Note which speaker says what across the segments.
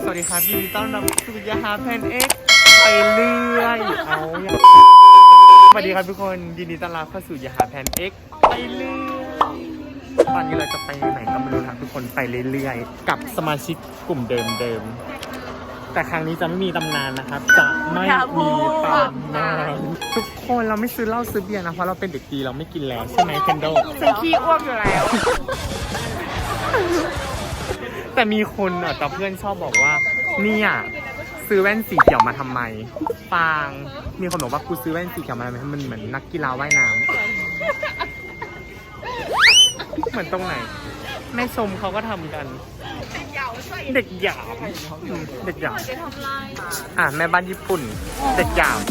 Speaker 1: วัสดีครับยินดีต้อนรับสู่ยาฮาแพนเอ็กไปเรื่อยสวัสดีครับทุกคนยินดีต้อนรับเข้าสู่ยาฮาแพนเอ็กไปเรื่อยตอนนี้เราจะไปไหนก็ไม่รู้ครับทุกคนไปเรื่อยๆกับสมาชิกกลุ่มเดิมแต่ครั้งนี้จะไม่มีตำนานนะครับจะไม่มีตำนานทุกคนเราไม่ซื้อเหล้าซื้อเบียร์นะเพราะเราเป็นเด็กดีเราไม่กินแล้วใช่ไหมเคนโด
Speaker 2: ฉันขี้อ้วกอยู่แล้ว
Speaker 1: แต่มีคนแต่เพื่อนชอบบอกว่าเนี่ยซื้อแว่นสีเขียวมาทำไมฟางมีคนบอกว่ากูซื้อแว่นสีเขียวมาทำไมมันเหมือนนักกีฬาว่ายน้ำเหมือนตรงไหนแม่ชมเขาก็ทำกันเด็กหยามเด็กหยามแม่บ้านญี่ปุ่นเด็กหยาม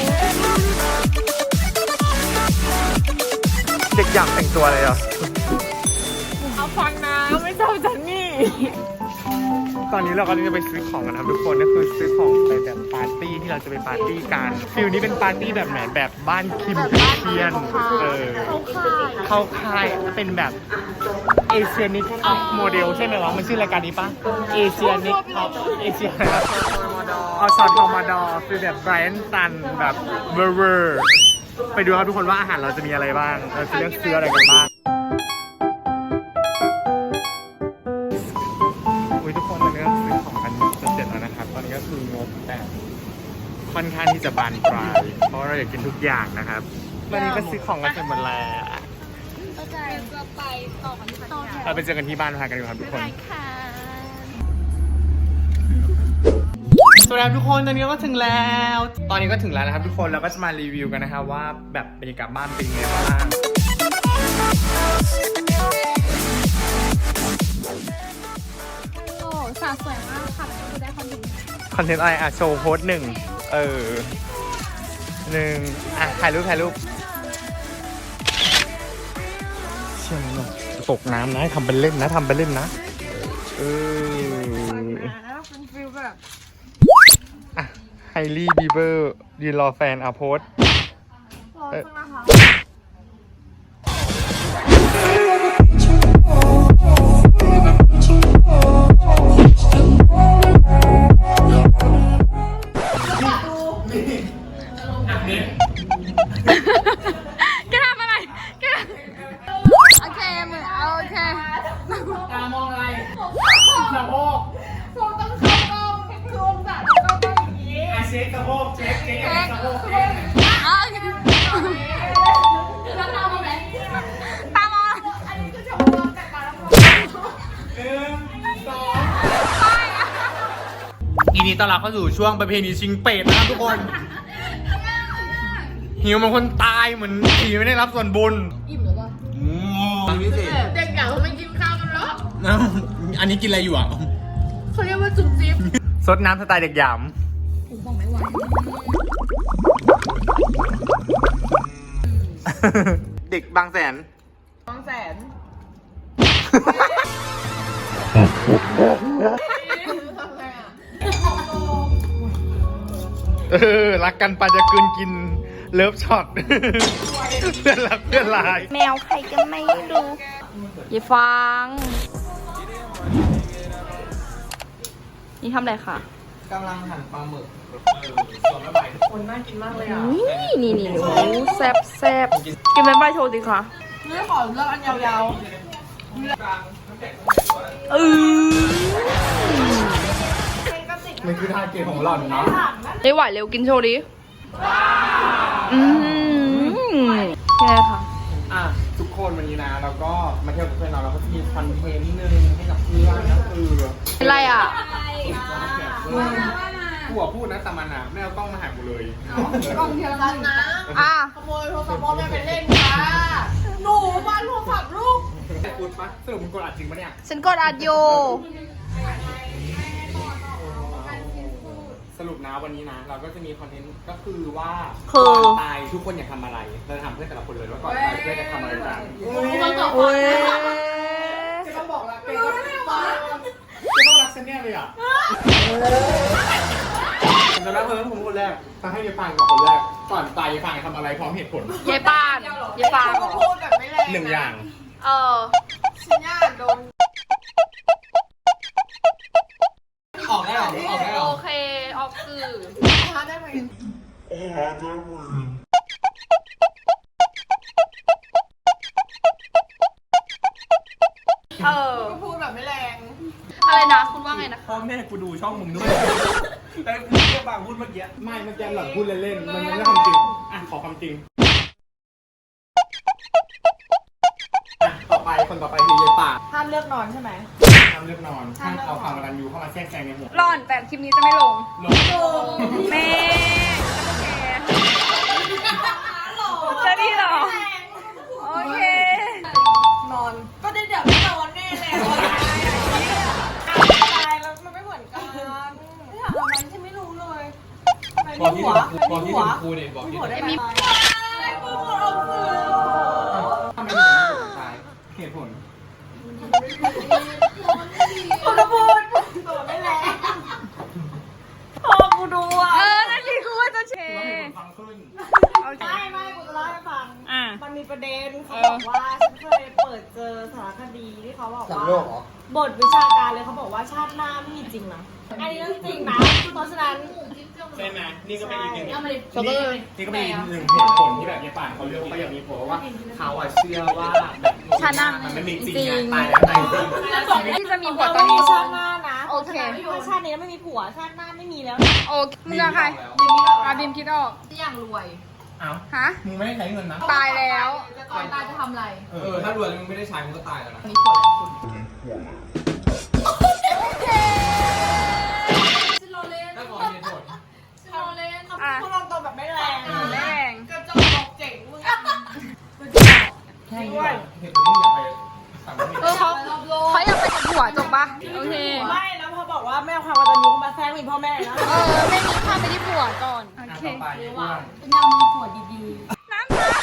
Speaker 1: เด็กหยามแต่งตัวอะไรอ่ะ
Speaker 2: เอาฟังนะไม่ชอบจันนี่
Speaker 1: ตอนนี้เราก็จะไปซื้อของกันครับทุกคนก็คือซื้อของไปแบบปาร์ตี้ที่เราจะไปปาร์ตี้กันฟิลนี้เป็นปาร์ตี้แบบไหนแบบบ้านคิมเทียนเข้าค่ายเป็นแบบเอเชียนิกท็อปโมเดลใช่ไหมวะมันชื่อรายการนี้ปะเอเชียนิกท็อปเอเชียเอาซอสทอมาดอคือแบบไบรอันตันแบบเวอร์ไปดูครับทุกคนว่าอาหารเราจะมีอะไรบ้างเราจะเลือกซื้ออะไรกันบ้างทุกคนตอนนี้ก็ซื้อของกันจะเสร็จแล้วนะครับตอนนี้ก็คืองบแบบค่อนข้างที่จะบานปลายเพราะเราอยากกินทุกอย่างนะครับวันนี้ก็ซื้อของกันเสร็จหมดแล้ว
Speaker 2: จะไปต่อกันที่บ้าน
Speaker 1: เราไปเจอกันที่บ้านพากันดูครับทุกคนสวัสดีครับทุกคนตอนนี้ก็ถึงแล้วนะครับทุกคนเราก็จะมารีวิวกันนะครับว่าแบบบรรยากาศบ้านเป็นยังไงบ้าง
Speaker 2: สาวสวยมากค่ะคือได้คอนเทนต์
Speaker 1: อะไรโชว์โพสต์1ถ่ายรูปเชื่อมั้ยตกน้ำนะทำเป็นเล่นนะเป็นฟิลแบบไฮลี่บีเบอร์ยืนรอแฟนโพสต์
Speaker 2: แกทำอะไรโอเคมือโอเค
Speaker 1: ตามองอะไรสะโพก
Speaker 2: ต้องเข้ากล้องคือองศาต้องเข้ากล้องอย่างนี้
Speaker 1: เช็คสะโพกเช็คสะโพก
Speaker 2: แล้วตามมาไหมตามมาอันนี้คือชมรมแต่ตาแล้ว1
Speaker 1: 2ยินดีต้อนรับเข้าสู่ช่วงประเพณีชิงเป็ดนะครับทุกคนหิวเหมือนคนตายเหมือนผีไม่ได้รับส่วนบุญ
Speaker 2: อิ่มหรือเปล่าเด็กอยากไม่กินข้าวกันหรอ
Speaker 1: อันนี้กินอะไรอยู่อ่ะ
Speaker 2: เขาเรียกว่าจุ๊บจิ๊บ
Speaker 1: ซดน้ำสไตล์เด็กหยาม
Speaker 2: ผมบอกไม่ไหว
Speaker 1: เด็กบางแสนรักกันปาจะกินเลิฟช็อตเพื่อนรักเพื่อนลาย
Speaker 2: แมวใครก็ไม่รู้อย่าฟังนี่ทำอะไรคะ
Speaker 1: กำลังหั่นปลาหมึกส่วนละใบทุกคนน่ากินมากเลยอ่ะ
Speaker 2: นี่โอ้แซ่บกินเป็นใบโชว์ดิค่ะไม่ขอเลือกอันยาวๆ
Speaker 1: มันคือทาเกตของหล่อนเนาะ
Speaker 2: ไม่ไหวเร็วกินโชว์ดิยังไงคะ
Speaker 1: ทุกคนวันนี้นะเราก็มาเที่ยวกับเพื่อนเราก็จะมีคอนเทนต์นึงให้กับเพื่อนก็คือ
Speaker 2: อะไร
Speaker 1: กูพูดนะแต่มันไม่เอากล้องมาหากูเลย
Speaker 2: กล้องเทียมกันนะขโมยโทรศัพท์พ่อแม่ไปเล่นค่ะหนูบ้านโทรศัพท์ลูก
Speaker 1: กดปะสรุปมึงกดอัดจริงปะเนี่ย
Speaker 2: ฉันกดอัดอยู่
Speaker 1: สรุปนะวันนี้นะเราก็จะมีคอนเทนต์ก็คือว่าตายทุกคนอยากทำอะไรเราจะทำเพื่อแต่ละคนเลยว่าก่อนตายเพื่อจะทำอะไรกันจะต้องบอกละจะต้องรักฉันแน่เลยอ่ะผมจะรักเธอผมคนแรกต้องให้ยายฟางก่อนคนแรกก่อนตายยายฟางทำอะไรพร้อมเหตุผล
Speaker 2: ยายฟางพูดแบบไม่แรง
Speaker 1: 1 อย่าง
Speaker 2: ฉันอยากโดน
Speaker 1: ออกได้หรอออกได้เหรอ
Speaker 3: โอเค ออกสื่อ
Speaker 2: ทานได้ไหม ก็พูดแบบไม่แรง
Speaker 3: อะไรนะ คุณว่าไงนะคะ
Speaker 1: พ่อแม่กูดูช่องมึงด้วยแต่กูแค่บางพูดเมื่อกี้ไม่เมื่อกี้หลังพูดเล่นๆมันไม่ได้ความจริงอ่ะขอความจริงอ่ะต่อไปคนต่อไปคือยายป่า
Speaker 2: ห้ามเลือกนอนใช่ไหม
Speaker 1: ห้ามเลือกนอนห้ามเอาความรันยูเข้ามาแทรกแซงในหัว
Speaker 3: ร่อนแต่คลิปนี้จะไม่ลง
Speaker 1: ลง
Speaker 3: แม่จะดีเหรอ โอเค
Speaker 2: นอน ก็ได้เดี๋ยวไม่นอนแน่เลยตายแล้วมันไม่เหมือนกันไม่ถามทำไมฉันไม่รู้เลยมีหัวมีหัว
Speaker 1: ครูเนี่ยบอก
Speaker 2: มี
Speaker 1: ที่
Speaker 2: หัวได้ไหม
Speaker 3: มี
Speaker 2: พูดออกสื่อ
Speaker 1: ทำไมถึงไม่ตายเหตุผล
Speaker 2: คุณพูดตัวไม่แรงพอกูดูอ่ะ
Speaker 3: นั่นสิกูว่าจะเช
Speaker 1: ฟังขึ้น
Speaker 3: โอเค
Speaker 2: ไม่กูจะเล่าให้ฟัง
Speaker 3: อ่ะ
Speaker 2: มันมีประเด็นเขาบอกว่าฉันเคยเปิดเจอสารคดีที่เขาบอกว่าบทวิชาการเลยเขาบอกว่าชาติหน้าไม่มีจริงนะอันนี้เรื่องจริงนะเพราะฉะนั้น
Speaker 1: ใช่ไหมนี่ก็เป็นอีกหนึ่ง
Speaker 3: ช็อกโกแลต
Speaker 1: นี่ก็เป็นอีกหนึ่งเหตุผลที่แบบยายป่านเขาเลือกเขาอยากมีผัวเพราะว่าเขาอะเชื่อว่าแบบ
Speaker 3: ชาติหน้า
Speaker 1: มันไม่มีจริง
Speaker 3: จริง
Speaker 1: ตายแล้วตายจริง
Speaker 3: ที่จะมีผัว
Speaker 2: เรา
Speaker 3: ตอน
Speaker 2: ไม่มี
Speaker 3: นี้
Speaker 2: ชาติหน้านะ
Speaker 3: โอเค
Speaker 2: ถ้าชาตินี้ไม่มีผัวชาติหน้าไม่มีแล้ว
Speaker 3: โอเคมึงอะใครอาบิมคิดออก
Speaker 4: อย่างรวย
Speaker 1: เอ้า
Speaker 3: ฮะ
Speaker 1: มึงไม่ได้ใช้เงินนะ
Speaker 3: ตายแล้ว
Speaker 4: ก่อนตายจะทำอะไร
Speaker 1: ถ้ารวยแล้วมึงไม่ได้ใช้มึงก็ตายแล้วนะ
Speaker 4: มีผลคุณชิโรเล่น
Speaker 1: ถ้าขอเหตุผล
Speaker 4: ชิโรเล่น
Speaker 3: อ่ะ
Speaker 2: พูดตรงๆแบบไม่แรง
Speaker 3: แรง
Speaker 2: กระจอกบอกเจ๋งมึง
Speaker 1: แค่นี้เหตุผลที่อยากไปต่างประเทศ
Speaker 3: เขาอยากไปกับผัวจบปะโอเค
Speaker 2: ไม่แล้วพอบอกว่าแม่เอาความกตัญญูมาแทรกมีพ่อแม่นะ
Speaker 3: ไม่มีข้ามไปที่ผัวก่อน โอเค
Speaker 1: ต่อไปอ้วน
Speaker 4: เป็นยังมีผัวดี
Speaker 3: น้ำค่ะ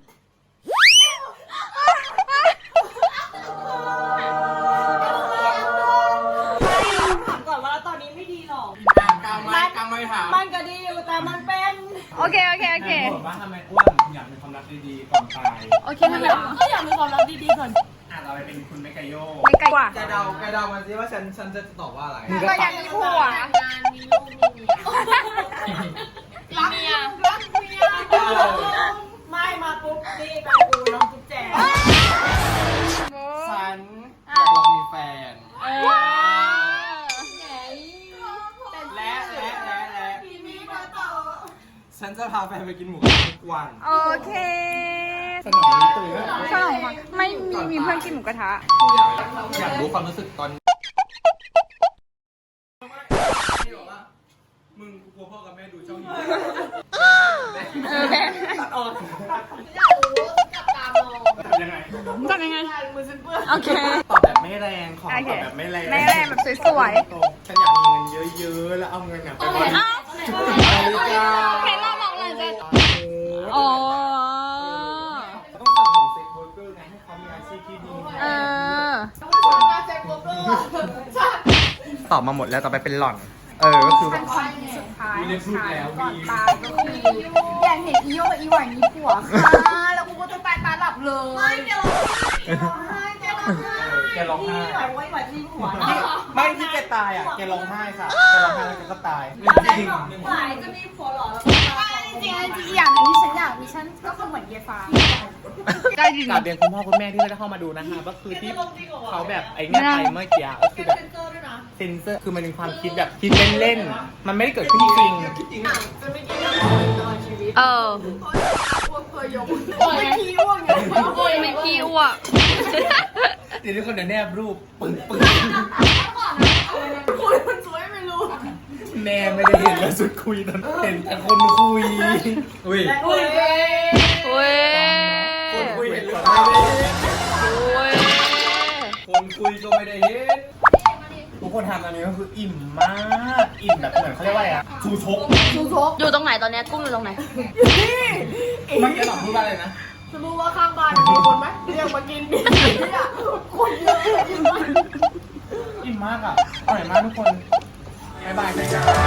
Speaker 2: ถามก่อนว่าตอนนี้ไม่ดีหรอก
Speaker 1: กลางไม่ถาม
Speaker 2: มันก็ดีอยู่แต่มันเป็น
Speaker 3: โอเค โอเค โอเค
Speaker 1: บอกว่าทำไมอ้วนอยากมีความรักดีๆก่อนตาย
Speaker 3: โอเคไม่เป็นไร
Speaker 2: ก็อยากมีความรักดีๆก่อน
Speaker 1: เราไปเป็นคุณเมกาโย
Speaker 3: ไม่ไกลกว่า
Speaker 5: แกเดามันสิว่าฉันจะตอบว่าอะไร
Speaker 3: ก็อยากมีผัว
Speaker 4: ๆงานมีลูกมีเมีย
Speaker 2: รักเมียรักเมียไม่มาปุ๊บนี่ไปกูน้องจุ๊บแจง
Speaker 5: ฉันอยากลองมีแฟน และ
Speaker 2: พี่มีมาต่อ
Speaker 5: ฉันจะพาแฟนไปกินหมูกระทะทุกวัน
Speaker 3: โอเค
Speaker 1: สนองนี้ตื่นแล้ว
Speaker 3: สนองค่ะไม่มีเพื่อนกินหมูกระทะ
Speaker 5: อยากรู้ความรู้สึกตอนมึงกลัวพ่อกับแม่ดูช่องนี้
Speaker 3: แม่
Speaker 5: ตัดออก
Speaker 4: อยากรู้จับตามอง
Speaker 1: ยังไง
Speaker 3: ทำยังไง
Speaker 2: มือฉันเปื้อน
Speaker 3: โอเค
Speaker 1: ตอบแบบไม่แรงขอตอบแบบไม่แรง
Speaker 3: ไม่แรงแบบสวย
Speaker 1: ฉันอยากมีเงินเยอะๆแล้วเอาเงินไปบริ
Speaker 3: ๆอ้าว
Speaker 1: จาค
Speaker 3: แค่รอบบอกเลยจะอ๋อ
Speaker 1: ต้องสั่งของเซ็กเวิร์กเกอร์ไงให้เขามีอาชีพที่ดี
Speaker 3: เออ
Speaker 2: มาเซ็กโบเกอร์ใช่
Speaker 1: ตอบมาหมดแล้วต่อไปเป็นหล่อน ก็คือแบบ
Speaker 3: สุดท้าย
Speaker 5: เรียกพูดแล้ว
Speaker 3: ก่อน
Speaker 5: มี
Speaker 3: ตายก็คืออยากเห็นอีโยกับอีหวานมีผัวค่ะแล้วกูก็จะตายตาหลับเลย
Speaker 2: ไม่เดี๋ยวร้องไห้แกร้องไห้
Speaker 1: แกร้องไห้
Speaker 2: ไหวไว้ไหวที่หัว
Speaker 1: ไม่ที่แกตายอ่ะ แกร้องไห้ค่ะ แกร้องไห้แล้วแกก็ตาย
Speaker 5: จริง
Speaker 2: ไหวจะมีผัวหรอแล้วก็ตาย
Speaker 3: จริงๆอีกอย่างหนึงที่ฉันอยากมีฉันก็คือเหมือนเยฟ้าได้จริง
Speaker 1: กราบเรียนคุณพ่อคุณแม่ที่ไม่ได้เข้ามาดูนะคะก็คือที่เขาแบบไอ้เนี่ยไปเมื่อกี้ก็คือแบบ
Speaker 2: เซ็นเซอร์ด้วยนะ
Speaker 1: เซนเซอร์คือมันเป็นความคิดแบบคิดเล่นๆ มันไม่ได้เกิดขึ้นจริง
Speaker 2: จะไม่กินอะไรตลอดชีวิต
Speaker 3: เออ
Speaker 2: อ้วกเคยยกไม่ขี้อ้วกอย่างเงี้ย
Speaker 3: โอ้ยไม่ขี้อ้วก
Speaker 1: เดี๋ยวทุกคนเดี๋ยวแนบรูปปึ้ง
Speaker 2: คุยมันสวยไม่รู้
Speaker 1: แม่ไม่ได้เห็นแล้วสุดคุยตอนเห็นแต่คนคุย
Speaker 5: อุ้ย
Speaker 2: อุ้ย
Speaker 3: โอ้ย
Speaker 5: คนคุยเห็นหรือเป
Speaker 3: โอ
Speaker 5: ล่า
Speaker 3: ้ย
Speaker 5: คนคุยก็ไม่ได้เห็น
Speaker 1: ทุกคนทำตอนนี้ก็คืออิ่มมาก อิ่มแบบเหมือนเขาเรียกว่าอะไรอะชูชก
Speaker 3: อยู่ตรงไหนตอนเนี้ยกุ้งอยู่ตรงไหน
Speaker 1: เมื่อกี้หลับพูดว่าอะไรนะ
Speaker 2: จะรู้ว่าข้างบ้านมีคนไหมเรียกมากินดิเนี่ยคนเยอะเลย
Speaker 1: อิ่มมากอ่ะอร่อยมากทุกคนบ๊ายบายเลยจ้า